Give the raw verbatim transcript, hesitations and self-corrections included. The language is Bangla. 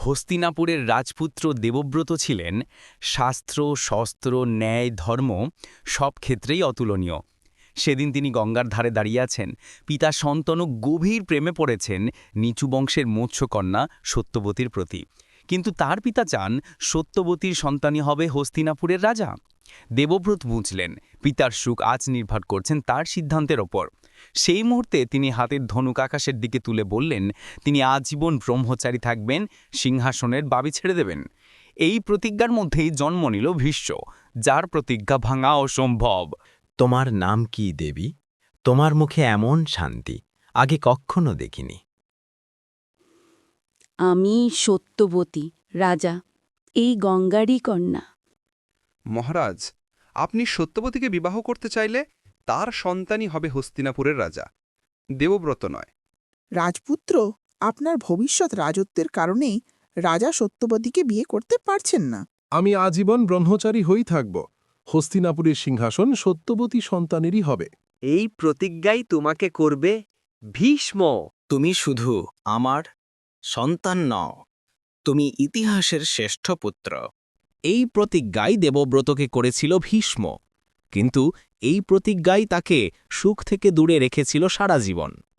হস্তিনাপুরের রাজপুত্র দেবব্রত ছিলেন শাস্ত্র, শস্ত্র, ন্যায়, ধর্ম সব ক্ষেত্রেই অতুলনীয়। সেদিন তিনি গঙ্গার ধারে দাঁড়িয়ে আছেন, পিতা সন্তনু গভীর প্রেমে পড়েছেন নিচু বংশের মৎস্যকন্যা সত্যবতীর প্রতি। কিন্তু তার পিতা চান সত্যবতীর সন্তানই হবে হস্তিনাপুরের রাজা। দেবব্রত বুঝলেন পিতার সুখ আজ নির্ভর করছেন তার সিদ্ধান্তের ওপর। সেই মুহূর্তে তিনি হাতের ধনুক আকাশের দিকে তুলে বললেন তিনি আজীবন ব্রহ্মচারী থাকবেন, সিংহাসনের বাবি ছেড়ে দেবেন। এই প্রতিজ্ঞার মধ্যেই জন্ম নিল ভীষ্ম, যার প্রতিজ্ঞা ভাঙা অসম্ভব। তোমার নাম কি দেবী? তোমার মুখে এমন শান্তি আগে কখনো দেখিনি। আমি সত্যবতী, রাজা, এই গঙ্গারই কন্যা। মহারাজ, আপনি সত্যবতীকে বিবাহ করতে চাইলে তার সন্তানই হবে হস্তিনাপুরের রাজা, দেবব্রত নয়। রাজপুত্র, আপনার ভবিষ্যৎ রাজত্বের কারণেই রাজা সত্যবতীকে বিয়ে করতে পারছেন না। আমি আজীবন ব্রহ্মচারী হয়েই থাকব। হস্তিনাপুরের সিংহাসন সত্যবতী সন্তানেরই হবে। এই প্রতিজ্ঞাই তোমাকে করবে ভীষ্ম। তুমি শুধু আমার সন্তান নও, তুমি ইতিহাসের শ্রেষ্ঠ পুত্র। এই প্রতিজ্ঞাই দেবব্রতকে করেছিল ভীষ্ম, কিন্তু এই প্রতিজ্ঞাই তাকে সুখ থেকে দূরে রেখেছিল সারা জীবন।